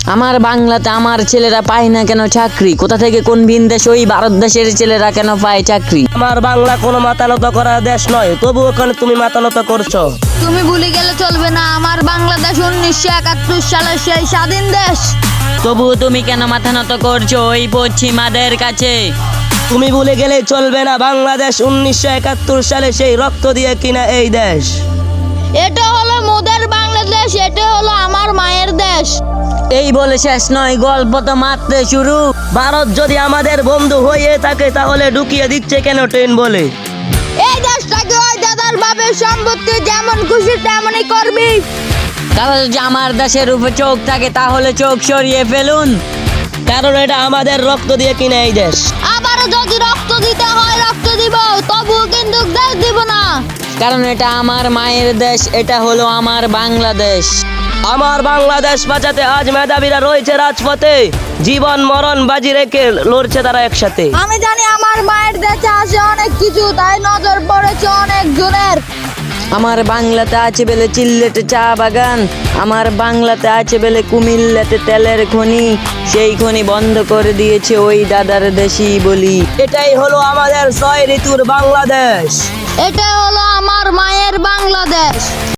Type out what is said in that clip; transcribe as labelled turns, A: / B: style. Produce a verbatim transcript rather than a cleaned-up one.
A: আমার বাংলাতে আমার ছেলেরা পায় না কেন চাকরি? কোথা থেকে কোন ভিন দেশ ওই ভারত দেশের ছেলেরা কেন পায় চাকরি?
B: আমার বাংলা কোনো মাতানত করা দেশ নয়, তবু ওখানে তুমি মাতানত করছো।
C: তুমি ভুলে গেলে চলবে না, আমার বাংলাদেশ উনিশশো একাত্তর সালের সেই স্বাধীন দেশ।
A: তবুও তুমি কেন মাথা নত করছো ওই পশ্চিমাদের কাছে?
B: তুমি ভুলে গেলে চলবে না, বাংলাদেশ উনিশশো একাত্তর সালে সেই রক্ত দিয়ে কিনা এই দেশ।
C: এটা হলো মোদের বাংলাদেশ, এটা হলো আমার মায়ের দেশ।
A: এই বলে শেষ নয়, গল্প তো মাত্র শুরু।
B: ভারত যদি আমাদের বন্ধু হয়ে থাকে তাহলে ঢুকিয়ে দিচ্ছে কেন ট্রেন বলে?
C: এই দেশটাকে ওই দাদার বাপের সম্পত্তি, যেমন খুশি তেমনই করবি।
A: কারণ যদি আমার দেশের উপর চোখ থাকে তাহলে চোখ সরিয়ে ফেলুন,
B: কারণ এটা আমাদের রক্ত দিয়ে কিনা এই দেশ।
C: আবারও যদি রক্ত দিতে হয় রক্ত দিব, তবুও কিন্তু দেশ দিব না।
A: কারণ এটা আমার মায়ের দেশ, এটা হলো আমার বাংলাদেশ।
B: আমার বাংলাদেশ বাঁচাতে আজ মেধাবীরা রয়েছে রাজপথে, জীবন মরণ বাজি রেখে লড়ছে তারা একসাথে।
C: আমি জানি আমার মায়ের দেশে আছে অনেক কিছু, তাই নজর পড়েছে অনেক জনের।
A: আমার বাংলাতে আছে বেলে চিল্লেটে চা বাগান, আমার বাংলাতে আছে বেলে কুমিল্লাতে তেলের খনি, সেই খনি বন্ধ করে দিয়েছে ওই দাদার দেশি বলি।
B: এটাই হলো আমাদের ছয় ঋতুর বাংলাদেশ।
C: এটা হলো আমার মায়ের বাংলাদেশ।